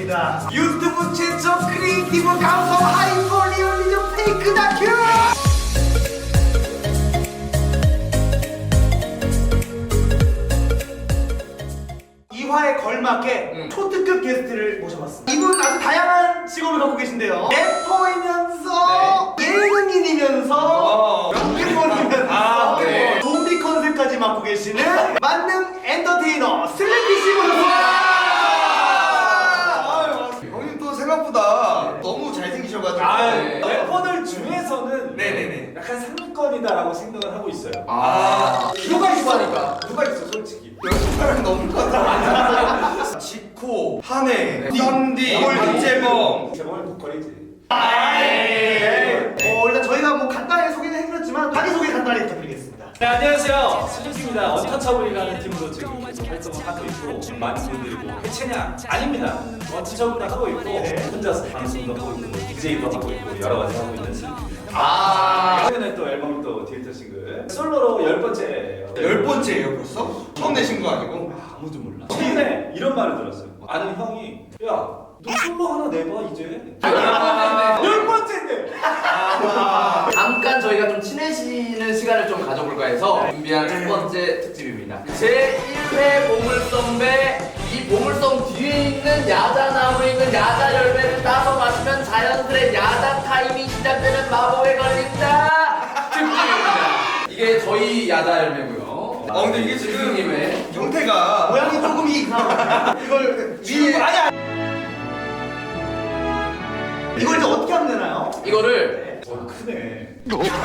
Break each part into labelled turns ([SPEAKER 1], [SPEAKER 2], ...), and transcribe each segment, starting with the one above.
[SPEAKER 1] 하겠습니다. 유튜브 최초 크리에이티브 감성 하이퍼 리얼리즘 페이크 다큐. 이화에 걸맞게 초특급 게스트를 모셔봤습니다. 이분 아주 다양한 직업을 갖고 계신데요. 래퍼이면서 예능인이면서 연기원이면서
[SPEAKER 2] 네.
[SPEAKER 1] 좀비 컨셉까지 맡고 계시는 만능 엔터테이너 슬리피 씨 모셨습니다.
[SPEAKER 2] 형님 또 생각보다 너무 잘생기셔가지고.
[SPEAKER 3] 네. 래퍼들 중에서는
[SPEAKER 2] 네네네.
[SPEAKER 3] 약간 상위권이다라고 생각을 하고 있어요.
[SPEAKER 2] 누가 있어 하니까.
[SPEAKER 3] 누가 있어 솔직히.
[SPEAKER 2] 여섯 사람이 넘을 것 같아. 지코, 한혜, 썬디, 박재범.
[SPEAKER 3] 제목은 보컬이지.
[SPEAKER 1] 일단 저희가 뭐 간단히 소개는 해드렸지만 자기소개 간단히 부탁드리겠습니다.
[SPEAKER 3] 네, 안녕하세요. 슬리피입니다. 언터처블이라는 팀으로 지금 계속 활동을 하고 있고 많은 분들이 뭐 해체냐? 아닙니다. 언터처블을 하고 있고 혼자서 방송도 하고 있고 DJ도 하고 있고 여러 가지 하고 있는 슬리피입니다. 최근에 또 앨범 또 디지털 싱글 솔로로 10번째예요.
[SPEAKER 2] 10번째예요 벌써? 처음 내신 거 아니고?
[SPEAKER 3] 아무도 몰라. 최근에 이런 말을 들었어요. 아는 형이 야 너 솔로 하나 내봐 이제. 10번째인데.
[SPEAKER 4] 잠깐 저희가 좀 친해지는 시간을 좀 가져볼까 해서 준비한 첫 번째 특집입니다. 제1회 보물섬배. 이 보물섬 뒤에 있는 야자나무에 있는 야자 열매를 따서 마시면 자연스레 야자 타임이 시작되는 마법에 걸린다 특집입니다. 이게 저희 야자 열매고요.
[SPEAKER 2] 근데 이게 지금
[SPEAKER 4] 님의
[SPEAKER 2] 형태가
[SPEAKER 1] 모양이 조금 이상하다. 이걸
[SPEAKER 2] 위에
[SPEAKER 1] 아니야. 이걸 이제 어떻게 하면 되나요?
[SPEAKER 4] 이거를
[SPEAKER 3] 크네.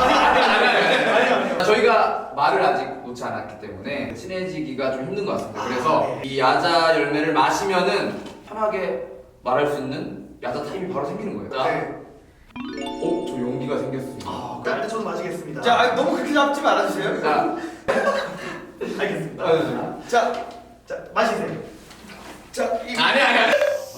[SPEAKER 4] 저희가 말을 아직 놓지 않았기 때문에 친해지기가 좀 힘든 것 같습니다. 그래서 이 야자 열매를 마시면은 편하게 말할 수 있는 야자 타임이 바로 생기는 거예요. 자, 저 용기가 생겼습니다.
[SPEAKER 1] 일단 저도 마시겠습니다.
[SPEAKER 2] 자, 너무 그렇게 잡지 말아주세요.
[SPEAKER 4] 자,
[SPEAKER 1] 알겠습니다.
[SPEAKER 2] 자,
[SPEAKER 1] 자, 마시세요.
[SPEAKER 2] 자,
[SPEAKER 4] 아니.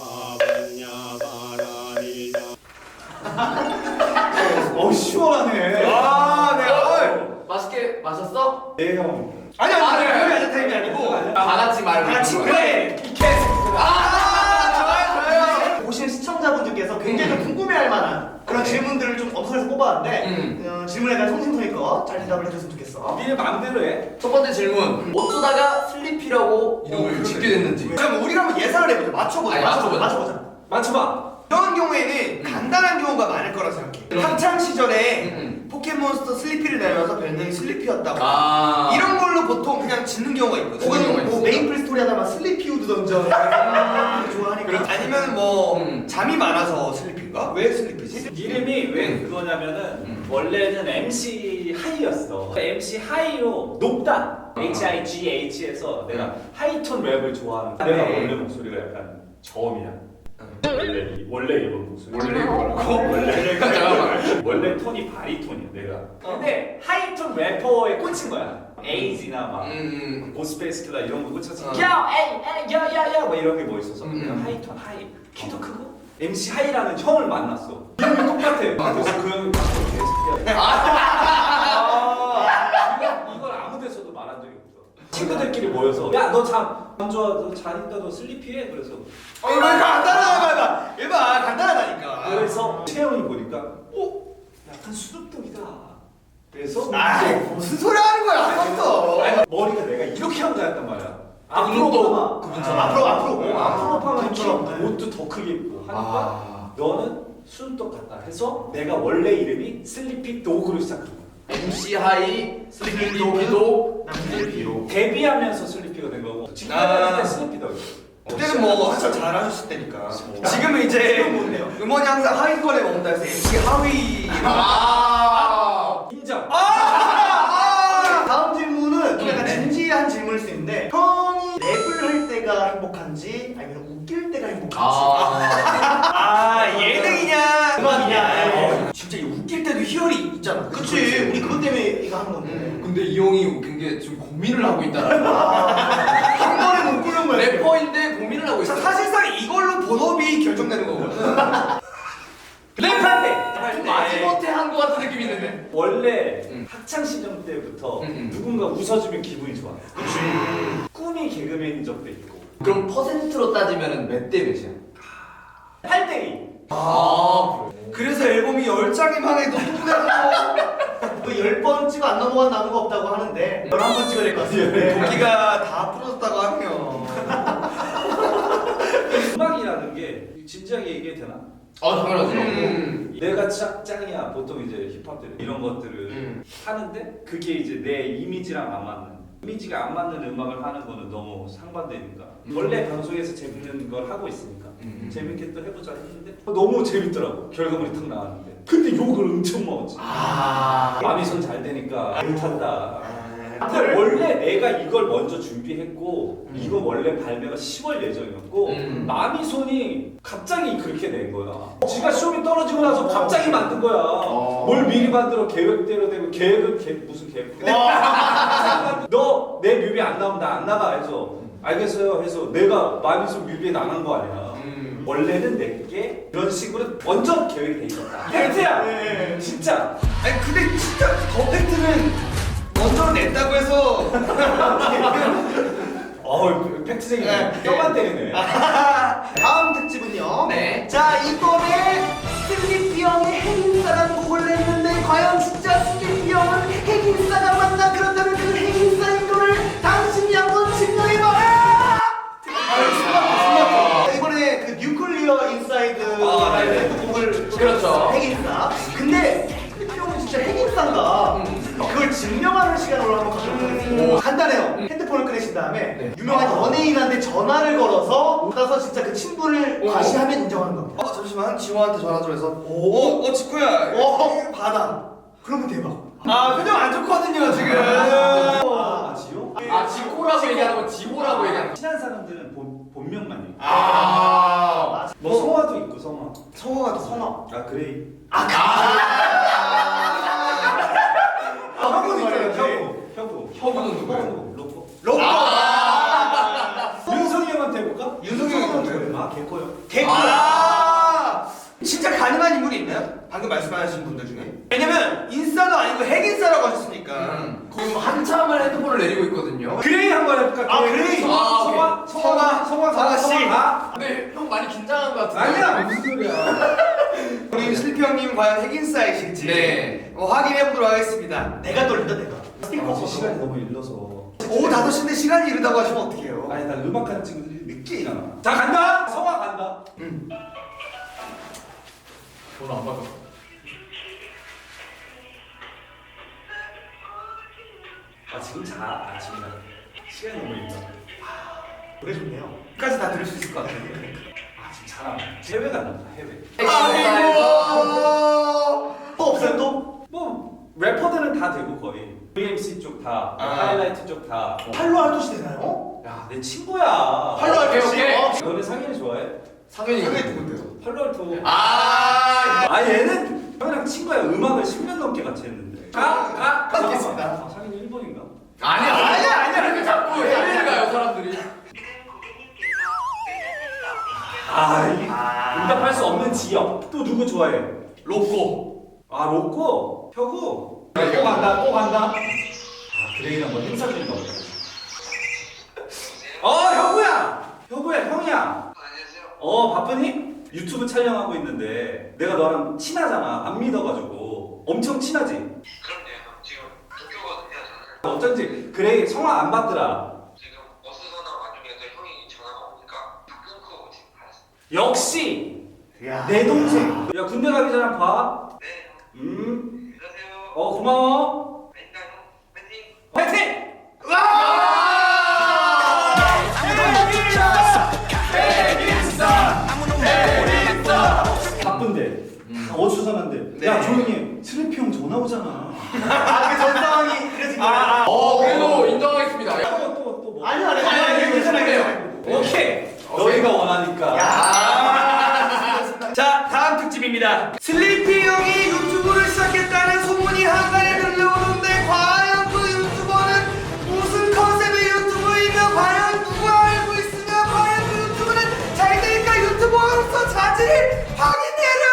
[SPEAKER 3] 시원하네.
[SPEAKER 2] 네.
[SPEAKER 4] 맛있게 마셨어?
[SPEAKER 3] 네 형.
[SPEAKER 2] 아니,
[SPEAKER 4] 네.
[SPEAKER 2] 그게 야자 타임이 아니고.
[SPEAKER 4] 다 같이 말을
[SPEAKER 1] 같이
[SPEAKER 4] 해주는 거예요.
[SPEAKER 1] 그래.
[SPEAKER 3] 이 개새끼들아.
[SPEAKER 2] 좋아요.
[SPEAKER 1] 보시는 시청자분들께서 굉장히 좀 궁금해할 만한 그런 질문들을 좀 엄선해서 뽑아왔는데 질문에 대한 성심성의껏 잘 대답을 해줬으면 좋겠어.
[SPEAKER 3] 니네 마음대로 해.
[SPEAKER 4] 첫 번째 질문. 어쩌다가 슬리피라고 이름을 짓게 됐는지.
[SPEAKER 2] 그럼 우리가 한번 예상을 해보자. 맞춰보자.
[SPEAKER 4] 아니, 맞춰보자.
[SPEAKER 3] 맞춰봐.
[SPEAKER 2] 이런 경우에는 간단한 경우가 많을 거라 생각해. 학창 시절에 포켓몬스터 슬리피를 내면서 별명이 슬리피였다고. 이런 걸로 보통 그냥 짓는 경우가 있거든.
[SPEAKER 4] 그런 경우가
[SPEAKER 1] 혹은 뭐
[SPEAKER 4] 있어요.
[SPEAKER 1] 메인플 스토리 하다가 슬리피우드 던전 좋아하니까.
[SPEAKER 2] 아니면 뭐 잠이 많아서 슬리피인가? 왜 슬리피지?
[SPEAKER 3] 이름이 왜 그거냐면은 원래는 MC 하이였어. MC 하이로 높다. HIGH에서 내가 하이톤 랩을 좋아하는. 내가 원래 목소리가 약간 저음이야. 원래 이런 목소리.
[SPEAKER 4] 원래 이거라고? 잠깐만.
[SPEAKER 3] 원래 톤이 바리톤이야 내가. 근데 하이톤 래퍼에 꽂힌 거야. 에이지나 막 고스페이스킬라 이런 거 꽂혀서 야 에이 야야야 막 이런 게 뭐 있어서 그냥 하이톤 하이 키도 크고 MC 하이라는 형을 만났어. 이름이 똑같아. 그래서 그 형이 이걸 아무 데서도 말한 적이 없어. 친구들끼리 모여서 야 너 잠 좋아 너 자니까 너 슬리피해 그래서
[SPEAKER 2] 이거 간단하다. 얘봐 간단하다니까.
[SPEAKER 3] 그래서 채영이 보니까 약간 수줍독이다. 그래서
[SPEAKER 2] 무슨 소리 하는 거야 아까부터.
[SPEAKER 3] 아니, 머리가 내가 이렇게 하고 다녔단 말이야.
[SPEAKER 4] 그분도
[SPEAKER 3] 그분처럼
[SPEAKER 1] 앞으로
[SPEAKER 3] 앞으로 파면
[SPEAKER 1] 그분처럼.
[SPEAKER 3] 옷도 더 크게 입고 하니까 너는 수줍독 같다 해서 내가 원래 이름이 슬리피 도그로 시작한 거야.
[SPEAKER 4] MC 하이 슬리피 도기도
[SPEAKER 1] 슬리피로.
[SPEAKER 3] 데뷔하면서 슬리피가 된 거고 지금 때 슬리피다.
[SPEAKER 2] 그때는 뭐 한참 잘하셨을 때니까. 지금은 이제 음원이 항상 하위권에 머문다 해서 MC 하위.
[SPEAKER 3] 인정.
[SPEAKER 1] 다음 질문은 좀 약간 진지한 질문일 수 있는데 형이 랩을 할 때가 행복한지 아니면 웃길 때가 행복한지.
[SPEAKER 2] 예능이냐
[SPEAKER 1] 음악이냐.
[SPEAKER 2] 진짜 이 웃길 때도 희열이 있잖아.
[SPEAKER 1] 그치. 우리 그것 때문에 이거 하는 건데.
[SPEAKER 4] 근데 이 형이 웃긴 게 지금 고민을 하고 있다라는 거.
[SPEAKER 1] 한 번에 못 꾸는 거야.
[SPEAKER 4] 래퍼인데 고민을 하고 있어.
[SPEAKER 2] 사실상 이걸로 본업이 결정되는 거거든.
[SPEAKER 3] 랩할 때.
[SPEAKER 4] 좀 마지못해 한 거 같은 느낌이 있는데.
[SPEAKER 3] 원래 학창 시절 때부터 누군가 웃어주면 기분이 좋아. 꿈이 개그맨인 적도 있고.
[SPEAKER 4] 그럼 퍼센트로 따지면 몇 대 몇이야?
[SPEAKER 3] 8대2.
[SPEAKER 2] 그래서 앨범이 10장이 망해도 또 내고
[SPEAKER 1] 그 10번 찍어 안 넘어간 나무가 없다고 하는데 11번 찍어야 될 것 같습니다.
[SPEAKER 2] 도끼가 다 부러졌다고 하면
[SPEAKER 3] 음악이라는 게 진지하게 얘기해도 되나?
[SPEAKER 4] 당연하죠.
[SPEAKER 3] 내가 짱이야. 보통 이제 힙합들 이런 것들을 하는데 그게 이제 내 이미지랑 안 맞는, 이미지가 안 맞는 음악을 하는 거는 너무 상반되니까 원래 방송에서 재밌는 걸 하고 있으니까 재밌게 또 해보자 했는데 너무 재밌더라고. 결과물이 탁 나왔는데 근데 욕을 엄청 먹었지. 마음이 손 잘 되니까 못한다. 근데 원래 내가 이걸 먼저 준비했고 이거 원래 발매가 10월 예정이었고 마미손이 갑자기 그렇게 낸 거야. 지가 쇼미 떨어지고 나서 갑자기 만든 거야. 뭘 미리 만들어 계획대로 되고 계획은 무슨 계획? 너 내 뮤비 안 나오면 나 안 나가 해서 알겠어요 해서 내가 마미손 뮤비에 나간 거 아니야. 원래는 내게 이런 식으로 완전 계획이 돼 있었다. 팩트야.
[SPEAKER 1] 네.
[SPEAKER 3] 진짜.
[SPEAKER 2] 아니 근데 진짜 더 팩트는 먼저 냈다고 해서
[SPEAKER 3] 팩트쟁이네. 뼈만 때리네.
[SPEAKER 1] 다음 특집은요.
[SPEAKER 4] 네.
[SPEAKER 1] 자, 이번에 슬리피 형이 핵인싸라는 곡을 냈는데 과연 진짜 슬리피 형은 핵인싸가 맞나? 그렇다면 그 핵인싸인 거를 당신이 한번 증명해봐라! 이번에 그 뉴클리어 인사이드
[SPEAKER 3] 네.
[SPEAKER 1] 곡을
[SPEAKER 4] 그렇죠.
[SPEAKER 1] 핵인싸. 근데 슬리피 형은 진짜 핵인싸인가? 그걸 증명하는 시간으로 한번 가져보도록 하겠습니다. 간단해요. 핸드폰을 꺼내신 다음에 유명한 연예인한테 전화를 걸어서 가서 진짜 그 친분을 과시하면 인정하는 겁니다.
[SPEAKER 2] 잠시만 지호한테 전화 좀 해서 지코야
[SPEAKER 1] 받아. 그러면 대박.
[SPEAKER 2] 표정 안 좋거든요 지금
[SPEAKER 3] 지호?
[SPEAKER 4] 지코라고 얘기하는 거 지호라고 얘기하는 거.
[SPEAKER 3] 친한 사람들은 본명만 얘기해.
[SPEAKER 1] 뭐
[SPEAKER 3] 성화도 있고 성화.
[SPEAKER 2] 성호가
[SPEAKER 1] 성화.
[SPEAKER 3] 그레이.
[SPEAKER 1] 형은 있잖아요.
[SPEAKER 3] 혁우.
[SPEAKER 4] 혁우는 누구예요?
[SPEAKER 3] 로코.
[SPEAKER 1] 로코.
[SPEAKER 3] 윤석이 형한테 해볼까?
[SPEAKER 1] 윤석이 형한테.
[SPEAKER 3] 개코요.
[SPEAKER 2] 진짜 가능한 인물이 있나요? 방금 말씀하신 분들 중에 왜냐면 인싸도 아니고 핵인싸라고 하셨으니까
[SPEAKER 4] 지금 한참을 핸드폰을 내리고 있거든요.
[SPEAKER 3] 그레이 한번 해볼까?
[SPEAKER 1] 그레이.
[SPEAKER 3] 성화 씨.
[SPEAKER 4] 근데 형 많이 긴장한 것 같은데.
[SPEAKER 3] 아니야 무슨 소리야.
[SPEAKER 2] 우리 슬피 형님 과연 핵인싸이실지
[SPEAKER 4] 네.
[SPEAKER 2] 확인해보도록 하겠습니다.
[SPEAKER 1] 내가 떨린다 내가. 스티커
[SPEAKER 3] 시간이 너무 일러서.
[SPEAKER 2] 오후 5시인데 시간이 이르다고 하시면 어떡해요?
[SPEAKER 3] 아니 나 음악하는 친구들이 늦게 일어나. 자 간다. 성화 간다.
[SPEAKER 4] 전화 안 받아.
[SPEAKER 3] 지금 자. 지금 자. 시간이 너무 일러.
[SPEAKER 1] 노래 좋네요.
[SPEAKER 2] 끝까지 다 들을 수 있을 것 같아요.
[SPEAKER 3] 지금 잘하네. 해외 간다. 해외.
[SPEAKER 1] 또 없어요 또?
[SPEAKER 3] 뭐 래퍼들은 다 되고 거의. VMC 쪽 다. 하이라이트 쪽 다.
[SPEAKER 1] 팔로알토시 되나요?
[SPEAKER 3] 야, 내 친구야.
[SPEAKER 1] 팔로알토시.
[SPEAKER 4] 오케이.
[SPEAKER 3] 너네 상현이 좋아해?
[SPEAKER 4] 상현이가
[SPEAKER 2] 누군데요?
[SPEAKER 3] 팔로알토.
[SPEAKER 4] 얘는
[SPEAKER 3] 형이랑 친구야. 음악을 10년 넘게 같이 했는데.
[SPEAKER 2] 하겠습니다.
[SPEAKER 3] 상현이 일본인가?
[SPEAKER 4] 아니야. 왜 자꾸 해외를 가요 사람들이.
[SPEAKER 3] 응답할 수 없는 지역. 또 누구 좋아해?
[SPEAKER 4] 로꼬.
[SPEAKER 3] 로꼬. 혁우. 또 간다. 그레이랑 뭐 행사 중인가 보다. 혁우야, 형이야.
[SPEAKER 5] 안녕하세요.
[SPEAKER 3] 바쁘니? 유튜브 촬영하고 있는데 내가 너랑 친하잖아. 안 믿어가지고. 엄청 친하지?
[SPEAKER 5] 그럼요. 지금 도쿄거든요. 저는
[SPEAKER 3] 어쩐지 그레이 성화 안 받더라.
[SPEAKER 5] 지금 버스 전화 와중에도 형이 전화가 오니까 다 끊고 지금 알았어요.
[SPEAKER 3] 역시
[SPEAKER 1] 야.
[SPEAKER 3] 내 동생. 야 군대 가기 전에 봐.
[SPEAKER 5] 네, 형.
[SPEAKER 3] 음.
[SPEAKER 5] 안녕하세요.
[SPEAKER 3] 고마워.
[SPEAKER 5] 아닙니다, 형. 파이팅!
[SPEAKER 3] 화이팅! 바쁜데. 어수선한데. 야 조용히 해. 슬리피 형 전화 오잖아.
[SPEAKER 1] 그 전 상황이 그래서
[SPEAKER 4] 그래도 인정하겠습니다.
[SPEAKER 3] 또 뭐.
[SPEAKER 1] 아니요.
[SPEAKER 4] 괜찮아요.
[SPEAKER 3] 오케이. 너희가 원하니까.
[SPEAKER 2] 자 다음 특집입니다. 슬리피 형이 유튜브를 시작했다는 소문이 한간에 들려오는데 과연 그 유튜버는 무슨 컨셉의 유튜브이며 과연 누가 알고 있으며 과연 그 유튜브는 잘 되니까 유튜버로서 자질을 확인해라.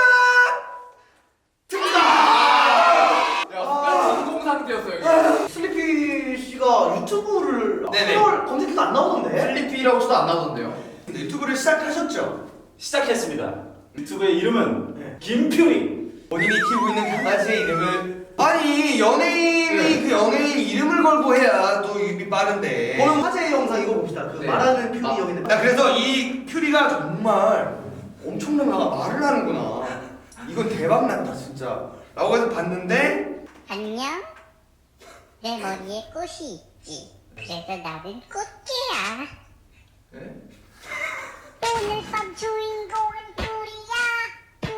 [SPEAKER 4] 약간 진공 상태였어요.
[SPEAKER 1] 슬리피 씨가 유튜브를
[SPEAKER 2] 네네.
[SPEAKER 1] 검색해도 안 나오던데.
[SPEAKER 4] 슬리피라고 쳐도 안 나오던데요.
[SPEAKER 2] 유튜브를 시작하셨죠?
[SPEAKER 3] 시작했습니다. 유튜브의 이름은
[SPEAKER 1] 네.
[SPEAKER 3] 김퓨리.
[SPEAKER 2] 본인이 키우고 있는 강아지의 이름을 아니 연예인이 그 연예인 이름을 걸고 해야 또 입이 빠른데.
[SPEAKER 1] 오늘 화제 영상 이거 봅시다. 그
[SPEAKER 4] 네.
[SPEAKER 1] 말하는 퓨리
[SPEAKER 4] 아.
[SPEAKER 1] 여기 있는.
[SPEAKER 2] 야 그래서 이 퓨리가 정말 엄청나게 말을 하는구나. 이건 대박 났다 진짜. 라고 해서 봤는데
[SPEAKER 6] 안녕. 내 머리에 꽃이 있지. 그래서 나는 꽃게야.
[SPEAKER 4] 네?
[SPEAKER 6] 오늘 밤 주인공은 퓨리야.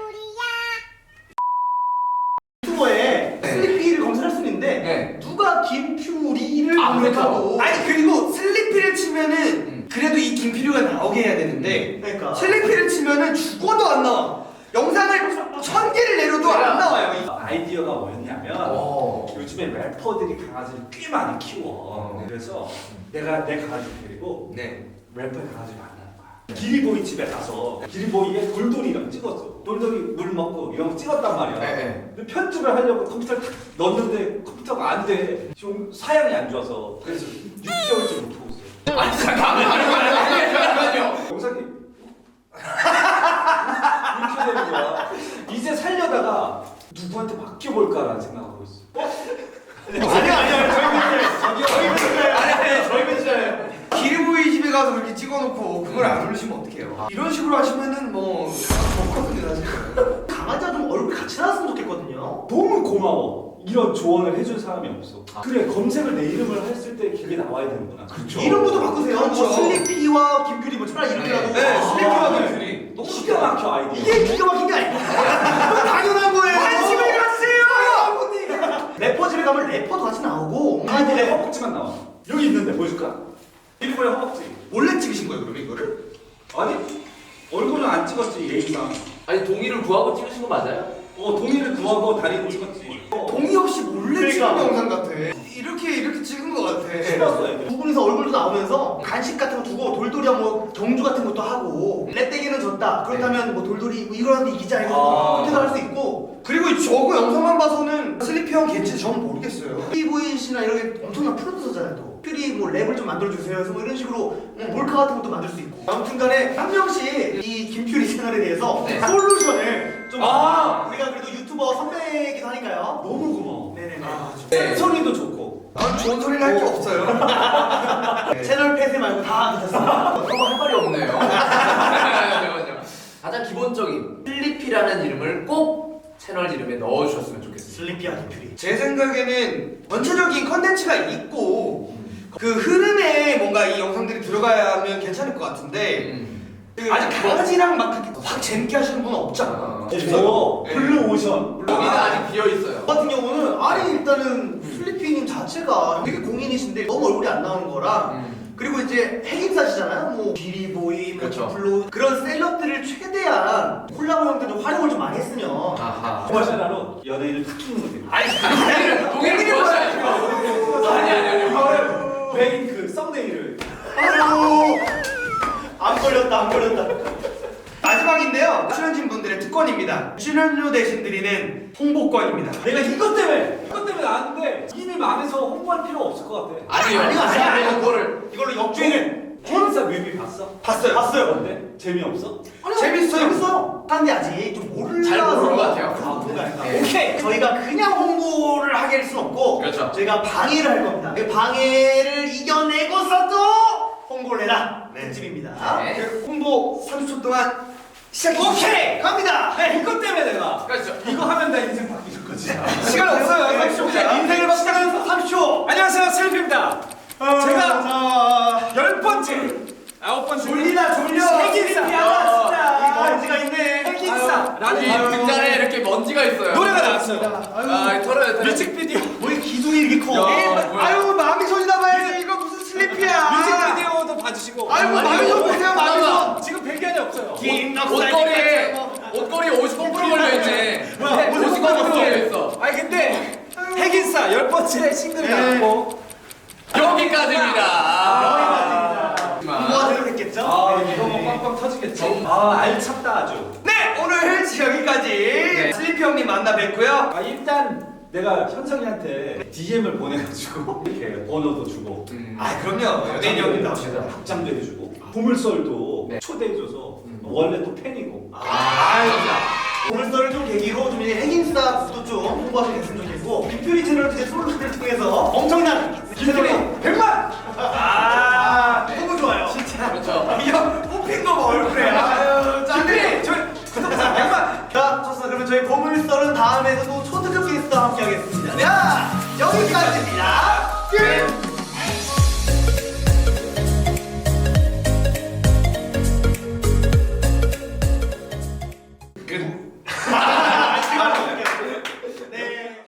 [SPEAKER 6] 퓨리야.
[SPEAKER 1] 유튜버에 슬리피를 검색할 수 있는데
[SPEAKER 4] 네.
[SPEAKER 1] 누가 김퓨리를
[SPEAKER 4] 아,
[SPEAKER 1] 검색하고
[SPEAKER 2] 아니 그리고 슬리피를 치면은 그래도 이 김필유가 나오게 해야 되는데
[SPEAKER 1] 그러니까
[SPEAKER 2] 슬리피를 치면은 죽어도 안 나와. 영상을 1000개를 내려도 안 나와요.
[SPEAKER 3] 아이디어가 뭐였냐면 요즘에 래퍼들이 강아지를 꽤 많이 키워. 그래서 내가 내 강아지 데리고
[SPEAKER 2] 네.
[SPEAKER 3] 래퍼의 강아지를 만나는 거야. 기리보이 집에 가서 기리보이의 돌돌이랑 찍었어. 돌돌이 물 먹고 이런 거 찍었단 말이야.
[SPEAKER 4] 네.
[SPEAKER 3] 근데 편집을 하려고 컴퓨터를 탁 넣었는데 컴퓨터가 안 돼. 좀 사양이 안 좋아서 그래서 6개월째 못 하고 있어.
[SPEAKER 4] 아니 잠깐만요.
[SPEAKER 3] 영상이 이렇게 되는 거야. 이제 살려다가 누구한테 맡겨볼까라는 생각하고 있어.
[SPEAKER 1] 아니야 저희 맨날
[SPEAKER 2] 기리보이 집에 가서 그렇게 찍어놓고 그걸 안 올리시면 어떡해요? 이런 식으로 하시면은 뭐 좋거든요 사실.
[SPEAKER 1] 강아지가 좀 얼굴 같이 나왔으면 좋겠거든요.
[SPEAKER 3] 너무 고마워. 이런 조언을 해준 사람이 없어. 그래 검색을 내 이름을 했을 때 그게 나와야 되는구나. 그렇죠.
[SPEAKER 1] 이름부터 바꾸세요.
[SPEAKER 2] 그렇죠.
[SPEAKER 1] 뭐 슬리피와 김퓨리 뭐 차라리 이렇게라도.
[SPEAKER 2] 네, 슬리피와
[SPEAKER 3] 네.
[SPEAKER 2] 김퓨리.
[SPEAKER 3] 너무 기가 막혀 아이디.
[SPEAKER 1] 이게 기가 막힌 게 아니고 당연한 거예요.
[SPEAKER 2] 관심을 갖으세요.
[SPEAKER 1] 래퍼 집에 가면 래퍼도 같이 나오고
[SPEAKER 3] 강아지 내 허벅지만 나와. 여기 있는데 보여줄까? 일부러 허벅지.
[SPEAKER 2] 원래 찍으신 거예요 그럼 이거를?
[SPEAKER 3] 아니 얼굴은 안 찍었지 예의상.
[SPEAKER 4] 아니 동의를 구하고 찍으신 거 맞아요?
[SPEAKER 3] 동의를 구하고 다리를 찍었지.
[SPEAKER 2] 동의 없이 몰래
[SPEAKER 1] 그러니까.
[SPEAKER 2] 찍은 영상 같아. 이렇게 찍은 거 같아.
[SPEAKER 3] 찍었어 애들.
[SPEAKER 1] 두 분이서 얼굴도 나오면서 간식 같은 거 두고 돌돌이야 뭐 경주 같은 것도 하고 렛대기는 졌다 그렇다면 뭐 돌돌이 뭐 이거라도 이기자 해서 그렇게도 할 수 있고
[SPEAKER 2] 그리고 저거 영상만 봐서는 슬리피 형 겐지 저는 모르겠어요.
[SPEAKER 1] 피보이 씨나 이런 게 엄청난 프로듀서잖아요 또 퓨리 뭐 랩을 좀 만들어주세요 해서 뭐 이런 식으로 몰카 같은 것도 만들 수 있고 아무튼간에 한 명씩 이 김퓨리 채널에 대해서
[SPEAKER 4] 네.
[SPEAKER 1] 솔루션을 좀
[SPEAKER 3] 아.
[SPEAKER 1] 우리가 그래도 유튜버 선배이기도 하니까요
[SPEAKER 3] 너무 고마워.
[SPEAKER 1] 네네네
[SPEAKER 4] 네.
[SPEAKER 3] 소리도 좋고.
[SPEAKER 2] 난 좋은 소리를 할 게 없어요.
[SPEAKER 1] 채널 폐쇄 말고 다 괜찮습니다
[SPEAKER 4] 서로 할 말이 없네요. 잠깐만요. 가장 기본적인 슬리피라는 이름을 꼭 채널 이름에 넣어주셨으면 좋겠습니다.
[SPEAKER 1] 슬리피와 김퓨리
[SPEAKER 2] 제 생각에는 전체적인 컨텐츠가 있고 그 흐름에 뭔가 이 영상들이 들어가면 괜찮을 것 같은데 그 아직 강아지랑 막 그렇게 확 재밌게 하시는 분은 없잖아.
[SPEAKER 3] 뭐
[SPEAKER 2] 네.
[SPEAKER 3] 블루 오션.
[SPEAKER 4] 여기는 아직 비어 있어요.
[SPEAKER 1] 저 같은 경우는 아니 일단은 슬리피님 자체가 되게 공인이신데 너무 얼굴이 안 나오는 거랑 그리고 이제 핵인사시잖아요. 뭐 비리보이, 뭐
[SPEAKER 4] 그렇죠.
[SPEAKER 1] 블루 그런 셀럽들을 최대한 콜라보 형태로 활용을 좀 많이 했으면
[SPEAKER 4] 아하.
[SPEAKER 3] 코마샤라로 연예인을 탁 끼는 거지.
[SPEAKER 4] 아니 동의를 구하셔야죠. 아니.
[SPEAKER 3] 이거를 메인 그 썸네일을.
[SPEAKER 1] 아유 안 걸렸다 안 걸렸다.
[SPEAKER 2] 마지막인데요. 출연진 분들의 특권입니다. 출연료 대신 드리는 홍보권입니다.
[SPEAKER 3] 내가 이것 때문에 아는데 이미 망해서 홍보할 필요 없을 것 같아.
[SPEAKER 4] 아니요.
[SPEAKER 1] 아니요.
[SPEAKER 4] 이거를
[SPEAKER 1] 역주행은
[SPEAKER 3] 혼자 뮤비 봤어?
[SPEAKER 2] 봤어요.
[SPEAKER 1] 봤어요.
[SPEAKER 3] 어때? 재미없어?
[SPEAKER 2] 재밌어요.
[SPEAKER 1] 재밌어요. 사람들이 아직 좀 모르는
[SPEAKER 4] 잘 모르는 것 같아요. 네.
[SPEAKER 1] 오케이. 저희가 그냥 홍보를 하게 할 수는 없고
[SPEAKER 4] 그렇죠.
[SPEAKER 1] 저희가 방해를 할 겁니다. 그 방해를 이겨내고서도 홍보를 해라. 특집입니다.
[SPEAKER 4] 네.
[SPEAKER 2] 그 홍보 30초 동안 시작해.
[SPEAKER 1] 오케이 갑니다.
[SPEAKER 3] 네, 이것 때문에 내가
[SPEAKER 4] 그렇죠.
[SPEAKER 3] 이거 하면 나 인생 바뀌는 거지.
[SPEAKER 2] 시간 없어요. 30초.
[SPEAKER 1] 인생을 바꾸는 30초.
[SPEAKER 3] 안녕하세요, 슬리피입니다. 제가
[SPEAKER 1] 자
[SPEAKER 3] 10번째, 9번째
[SPEAKER 1] 졸리다 졸려.
[SPEAKER 3] 핵인싸.
[SPEAKER 1] 이 먼지가 있네.
[SPEAKER 3] 핵인싸
[SPEAKER 4] 아니
[SPEAKER 3] 라는
[SPEAKER 4] 등단에 이렇게 먼지가 있어요.
[SPEAKER 3] 노래가 나왔어요.
[SPEAKER 4] 아 털어요.
[SPEAKER 3] 뮤직비디오
[SPEAKER 1] 왜 기둥이 이렇게 커?
[SPEAKER 4] 야, 뭐야.
[SPEAKER 2] 아유 마음이 손이나 봐야지. 이거 무슨 슬리피야.
[SPEAKER 3] 뮤직비디오도 봐주시고.
[SPEAKER 2] 아이고 마음이 손 보세요. 마음이 손.
[SPEAKER 3] 지금 배경이 없어요.
[SPEAKER 4] 옷걸이에 50% 걸려있네.
[SPEAKER 1] 뭐야,
[SPEAKER 4] 50% 걸려있어.
[SPEAKER 3] 아니 근데 핵인싸 10번째 싱글이
[SPEAKER 1] 네.
[SPEAKER 3] 나왔고
[SPEAKER 4] 여기까지입니다.
[SPEAKER 1] 뭐가 되겠겠죠?
[SPEAKER 3] 이거 뭐 빵빵 터지겠지. 알찼다 아주.
[SPEAKER 2] 네 오늘 여기까지 슬리피 형님 만나 뵙고요.
[SPEAKER 3] 일단 내가 현석이한테 DM을 보내가지고 이렇게 번호도 주고
[SPEAKER 2] 아 그럼요. 연예인 형님 나오시죠.
[SPEAKER 3] 답장도 해주고 보물썰도 또
[SPEAKER 4] 네.
[SPEAKER 3] 초대해줘서 원래 또 팬이고.
[SPEAKER 1] 보물서를 좀 계기로 좀 이제 핵인싸도 좀 홍보하게 됐으면 좋겠고 빅퓨리 채널 이제 솔로를 통해서 엄청난
[SPEAKER 2] 빅퓨리 100만!
[SPEAKER 1] 너무 좋아요.
[SPEAKER 2] 진짜.
[SPEAKER 4] 그렇죠.
[SPEAKER 2] 이거 뽑힌 거 봐, 얼굴에. 아유, 짠해. 저희 구독자 100만!
[SPEAKER 1] 자, 좋습니다. 그러면 저희 보물서는 다음에도 또 초특급 게스트와 함께 하겠습니다. 자, 여기까지입니다. 끝!